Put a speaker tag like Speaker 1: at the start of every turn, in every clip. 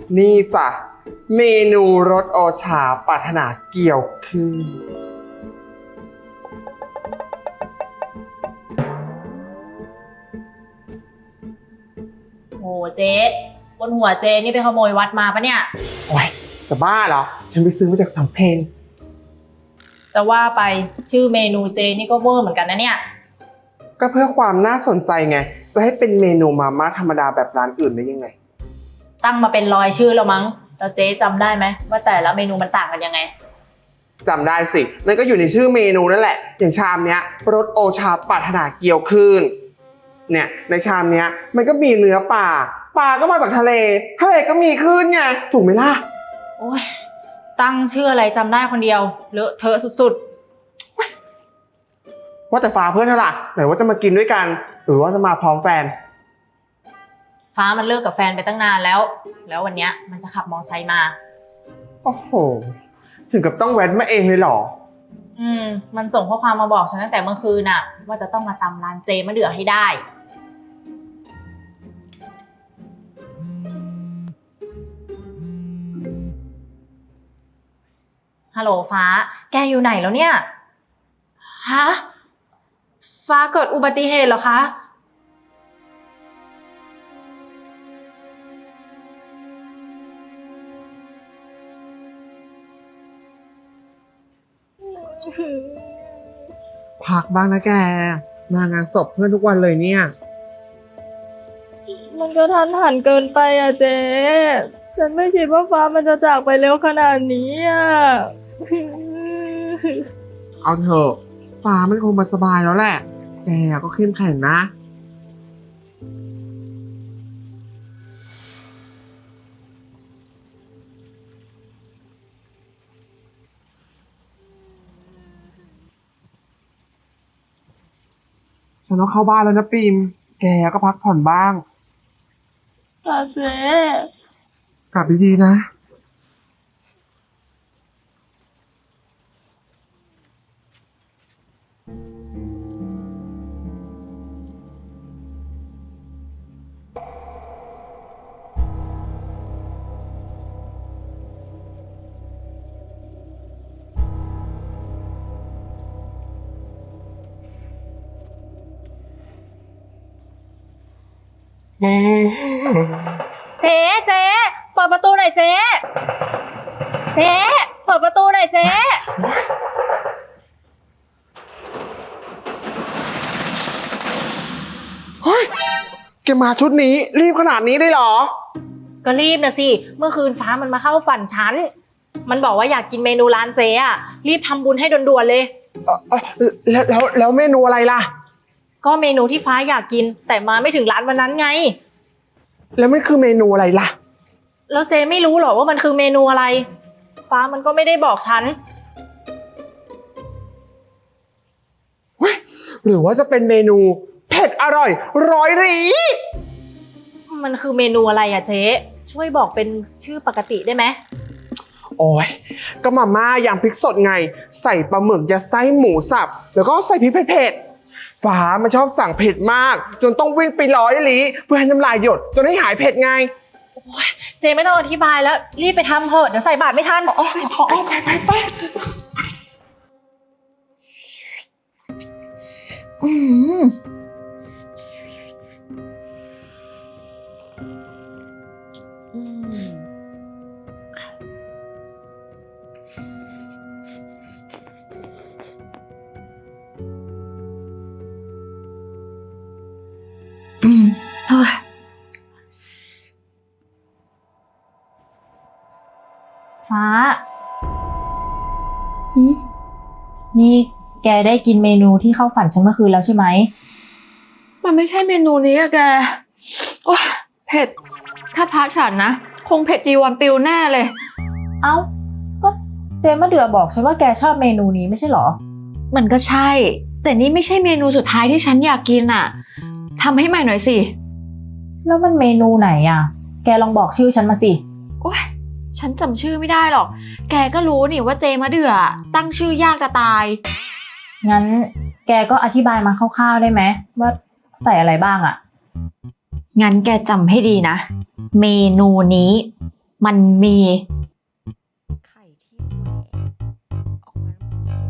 Speaker 1: นี่จ้ะเมนูรสโอชาปรารถนาเกี่ยวขึ้น
Speaker 2: โอ้เจ๊บนหัวเจ๊นี่ไปขโมยวัดมาปะเนี่ย
Speaker 1: โอ้ยจะบ้าเหรอ ฉันไปซื้อมาจากสำเพ็ง
Speaker 2: จะว่าไปชื่อเมนูเจนี่ก็เวอร์เหมือนกันนะเนี่ย
Speaker 1: ก็เพื่อความน่าสนใจไง จะให้เป็นเมนูมาม่าธรรมดาแบบร้านอื่นได้ยังไง
Speaker 2: ตั้งมาเป็น100ชื่อแล้วมั้งแล้วเจ๊จำได้ไหมว่าแต่ละเมนูมันต่างกันยังไง
Speaker 1: จำได้สินั่นก็อยู่ในชื่อเมนูนั่นแหละ อย่างชามเนี้ยรสโอชาปรารถนาเกี่ยวขึ้นเนี่ยในชามเนี้ยมันก็มีเนื้อปลาก็มาจากทะเลก็มีขึ้นไงถูกไหมล่ะ
Speaker 2: โอ้ยตั้งชื่ออะไรจำได้คนเดียวเลอะเทอะสุด
Speaker 1: ว่าแต่ฟ้าเพื่อนเธอล่ะไหนว่าจะมากินด้วยกัน หรือว่าจะมาพร้อมแฟน
Speaker 2: ๆฟ้ามันเลิกกับแฟนไปตั้งนานแล้ววันเนี้ยมันจะขับมอไซค์มา
Speaker 1: โอ้โหถึงกับต้องแว้นมาเองเลยเหรอ
Speaker 2: มันส่งข้อความมาบอกฉันตั้งแต่เมื่อคืนน่ะว่าจะต้องมาตำร้านเจมะเดื่อให้ได้ฮัลโหลฟ้าแกอยู่ไหนแล้วเนี่ยฮะฟ้าเกิดอุบัติเหตุเหรอคะ
Speaker 1: พักบ้างนะแกมางานศพเพื่อนทุกวันเลยเนี่ย
Speaker 3: มันก็ทันหันเกินไปอ่ะเจ๊ฉันไม่คิดว่าฟ้ามันจะจากไปเร็วขนาดนี้อ่ะ
Speaker 1: เอาเถอะฟ้ามันคงมาสบายแล้วแหละแกก็เข้มแข็งนะ ฉันต้องเข้าบ้านแล้วนะปิมแกก็พักผ่อนบ้าง
Speaker 3: ค่ะเจ๊
Speaker 1: กลับดีๆนะ
Speaker 2: เจ๊เปิดประตูหน่อยเจ๊เปิดประตูหน่อยเจ๊
Speaker 1: เฮ้ยแกมาชุดนี้รีบขนาดนี้ได้เหรอ
Speaker 2: ก็รีบนะสิเมื่อคืนฟ้ามันมาเข้าฝันฉันมันบอกว่าอยากกินเมนูร้านเจ๊อะรีบทำบุญให้ด่วนๆเลย
Speaker 1: แล้วเมนูอะไรล่ะ
Speaker 2: ก็เมนูที่ฟ้าอยากกินแต่มาไม่ถึงร้านวันนั้นไง
Speaker 1: แล้วมันคือเมนูอะไรล่ะ
Speaker 2: แล้วเจ๊ไม่รู้หรอว่ามันคือเมนูอะไรฟ้ามันก็ไม่ได้บอกฉัน
Speaker 1: เฮ้ยหรือว่าจะเป็นเมนูเผ็ดอร่อยร้อยหรี
Speaker 2: มันคือเมนูอะไรอะเจ๊ช่วยบอกเป็นชื่อปกติได้ไหม
Speaker 1: โอ้ยก็มาม่ายำพริกสดไง ใส่ปลาหมึกยัดไส้หมูสับแล้วก็ใส่พริกเผ็ดๆฟ้ามันชอบสั่งเผ็ดมาก จนต้องวิ่งไปร้อยหลีเพื่อให้น้ำลายหยดจนให้หายเผ็ดไง
Speaker 2: เจ๊ไม่ต้องอธิบายแล้วรีบไปทำเถอะเดี๋ยวใส่บาตรไม่ทัน
Speaker 1: ไป
Speaker 2: ฟ้านี่แกได้กินเมนูที่เข้าฝันฉันเมื่อคืนแล้วใช่ไหม
Speaker 3: มันไม่ใช่เมนูนี้อะแกโอ้ยเผ็ดถ้าพระฉันนะคงเผ็ดจีวรปิวแน่เลย
Speaker 2: เอ้าก็เจมะเดือบอกฉันว่าแกชอบเมนูนี้ไม่ใช่เหรอ
Speaker 3: มันก็ใช่ แต่นี่ไม่ใช่เมนูสุดท้ายที่ฉันอยากกินอ่ะทำให้ใหม่หน่อยสิ
Speaker 2: แล้วมันเมนูไหนอ่ะแกลองบอกชื่อฉันมาสิ
Speaker 3: โอ้ยฉันจำชื่อไม่ได้หรอกแกก็รู้นี่ว่าเจมะเดือตั้งชื่อยากจะตาย
Speaker 2: งั้นแกก็อธิบายมาคร่าวๆได้ไหมว่าใส่อะไรบ้างอ่ะ
Speaker 3: งั้นแกจำให้ดีนะ เมนูนี้มันมีไข่ที่แหวกออกมาแล้ว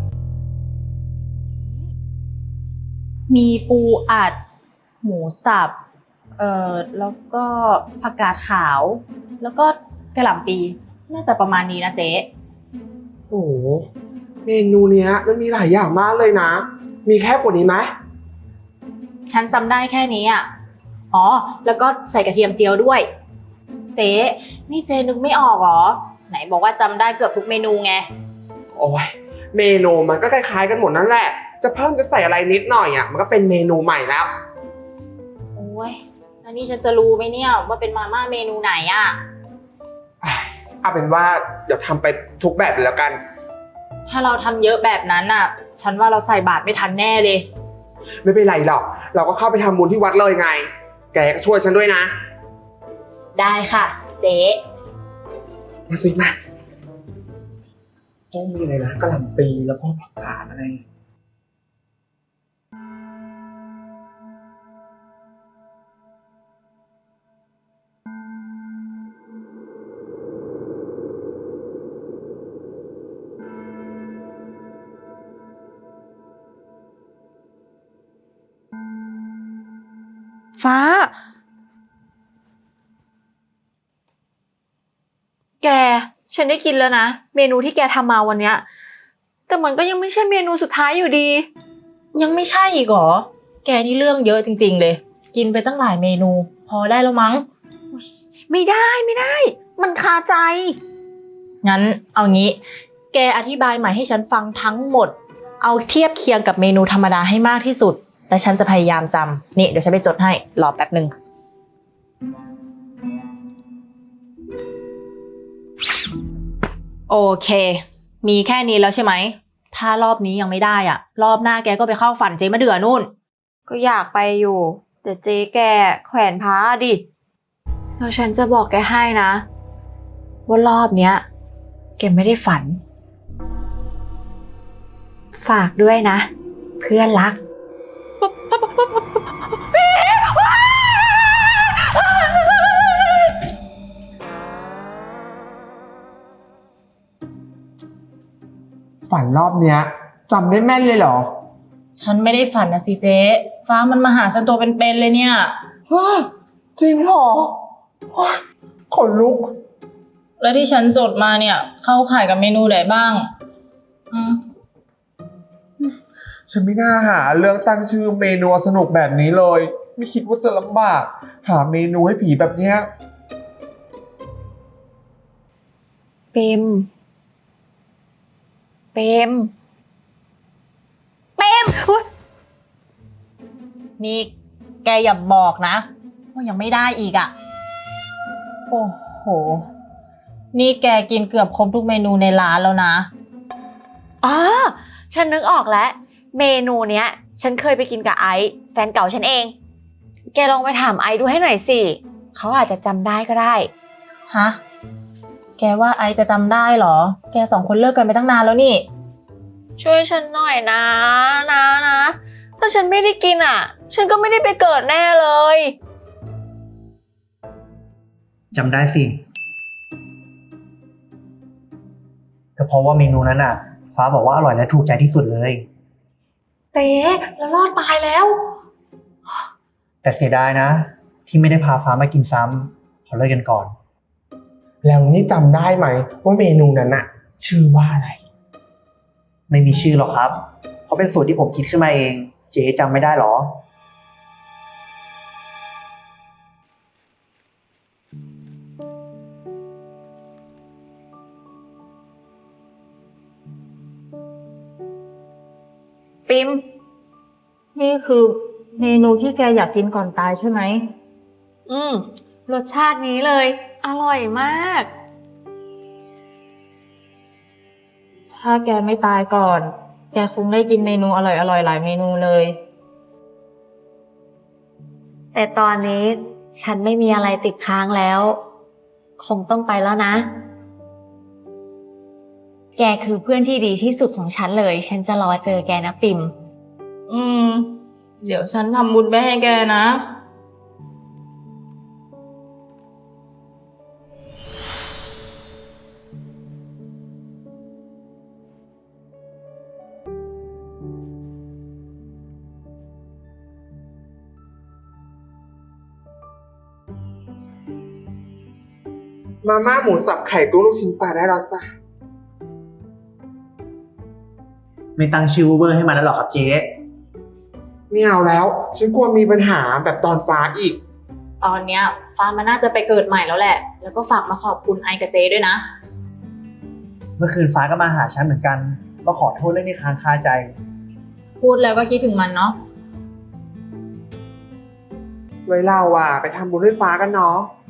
Speaker 2: มีปูอัด หมูสับ แล้วก็ผักกาดขาว แล้วก็กระหล่ำปี น่าจะประมาณนี้นะเจ๊
Speaker 1: โอ้โหเมนูเนี้ยมันมีหลายอย่างมากเลยนะ มีแค่กว่านี้ไหม
Speaker 2: ฉันจำได้แค่นี้อ่ะ อ๋อ แล้วก็ใส่กระเทียมเจียวด้วย เจ๊นี่เจ๊นึกไม่ออกเหรอ ไหนบอกว่าจำได้เกือบทุกเมนูไง
Speaker 1: โอ้ยเมนูมันก็คล้ายๆกันหมดนั่นแหละ จะเพิ่มจะใส่อะไรนิดหน่อยอ่ะมันก็เป็นเมนูใหม่แล้ว
Speaker 2: โอ้ยแล้วนี่ฉันจะรู้ไหมเนี่ยว่าเป็นมาม่าเมนูไหนอ่ะ
Speaker 1: เอาเป็นว่าเดี๋ยวทำไปทุกแบบเลยแล้วกัน
Speaker 2: ถ้าเราทำเยอะแบบนั้นอ่ะ ฉันว่าเราใส่บาตรไม่ทันแน่เลย
Speaker 1: ไม่เป็นไรหรอก เราก็เข้าไปทำบุญที่วัดเลยไง แกก็ช่วยฉันด้วยนะ
Speaker 2: ได้ค่ะ เจ๊
Speaker 1: มาสิมาต้องมีอะไรนะกะหล่ำปีแล้วก็ผักกาดอะไร
Speaker 3: ฟ้า แก ฉันได้กินแล้วนะ เมนูที่แกทำมาวันเนี้ยแต่มันก็ยังไม่ใช่เมนูสุดท้ายอยู่ดี
Speaker 2: ยังไม่ใช่อีกเหรอ แกนี่เรื่องเยอะจริงๆเลย กินไปตั้งหลายเมนู พอได้แล้วมั้ง
Speaker 3: ไม่ได้ มันคาใจ
Speaker 2: งั้นเอางี้ แกอธิบายใหม่ให้ฉันฟังทั้งหมด เอาเทียบเคียงกับเมนูธรรมดาให้มากที่สุด และฉันจะพยายามจำนี่เดี๋ยวฉันไปจดให้ รอแป๊บหนึ่ง โอเค มีแค่นี้แล้วใช่ไหม ถ้ารอบนี้ยังไม่ได้อ่ะ รอบหน้าแกก็ไปเข้าฝันเจ๊มะเดื่อนู่น
Speaker 3: ก็อยากไปอยู่ แต่เจ๊แกแขวนพระดิแล้วฉันจะบอกแกให้นะ ว่ารอบเนี้ยแกไม่ได้ฝัน ฝากด้วยนะ เพื่อนรัก
Speaker 1: ฝันรอบเนี้ยจำได้แม่นเลยเหรอ
Speaker 2: ฉันไม่ได้ฝันนะสิเจ๊ฟ้ามันมาหาฉันตัวเป็นๆเลยเนี่ย
Speaker 1: ฮะจริงเหรอโอ๊ยขนลุก
Speaker 2: แล้วที่ฉันจดมาเนี่ย เข้าข่ายกับเมนูไหนบ้าง
Speaker 1: ฉันไม่น่าหาเรื่องตั้งชื่อเมนูสนุกแบบนี้เลย ไม่คิดว่าจะลำบาก หาเมนูให้ผีแบบเนี้ย
Speaker 3: เปมอุ๊ย
Speaker 2: นี่แกอย่าบอกนะว่ายังไม่ได้อีกอ่ะ โอ้โห นี่แกกินเกือบครบทุกเมนูในร้านแล้วนะ
Speaker 3: อ๋อฉันนึกออกแล้ว เมนูเนี้ย ฉันเคยไปกินกับไอซ์แฟนเก่าฉันเอง แกลองไปถามไอซ์ดูให้หน่อยสิเขาอาจจะจำได้ก็ได้
Speaker 2: ฮะ แกว่าไอจะจำได้เหรอ แกสองคนเลิกกันไปตั้งนานแล้วนี่
Speaker 3: ช่วยฉันหน่อยนะถ้าฉันไม่ได้กินอ่ะ ฉันก็ไม่ได้ไปเกิดแน่เลย
Speaker 4: จำได้สิก็เพราะว่าเมนูนั้นอ่ะ ฟ้าบอกว่าอร่อยและถูกใจที่สุดเลย
Speaker 3: เจ๊แล้วรอดตายแล้ว
Speaker 4: แต่เสียดายนะ ที่ไม่ได้พาฟ้ามากินซ้ำขอเลิกกันก่อน
Speaker 1: แล้วนี่จำได้ไหมว่าเมนูนั้นอะชื่อว่าอะไร
Speaker 4: ไม่มีชื่อหรอกครับ เพราะเป็นสูตรที่ผมคิดขึ้นมาเอง เจ๊จำไม่ได้หรอ
Speaker 3: ปิม
Speaker 2: นี่คือเมนูที่แกอยากกินก่อนตายใช่ไหม
Speaker 3: รสชาตินี้เลย อร่อยมาก
Speaker 2: ถ้าแกไม่ตายก่อน แกคงได้กินเมนูอร่อยๆหลายเมนูเลย
Speaker 3: แต่ตอนนี้ฉันไม่มีอะไรติดค้างแล้ว คงต้องไปแล้วนะ แกคือเพื่อนที่ดีที่สุดของฉันเลย ฉันจะรอเจอแกนะปิม
Speaker 2: เดี๋ยวฉันทำบุญไปให้แกนะ
Speaker 3: พ
Speaker 1: มาม่าหมูสับไข่กุ้งลูกชิ้นปลาได้แล้วจ้ะ
Speaker 4: ไม่ตั้งชื่ออูเบอร์ให้มันแล้วหรอครับเจ๊
Speaker 1: ไม่เอาแล้ว ฉันกลัวมีปัญหาแบบตอนฟ้าอีก
Speaker 2: ตอนเนี้ยฟ้ามันน่าจะไปเกิดใหม่แล้วแหละ แล้วก็ฝากมาขอบคุณไอกับเจด้วยนะ
Speaker 4: เมื่อคืนฟ้าก็มาหาฉันเหมือนกันมาขอโทษเรื่องที่ค้างคาใจ
Speaker 2: พูดแล้วก็คิดถึงมันเนาะ
Speaker 1: ไว้เราไปทำบุญให้ฟ้ากันเนาะ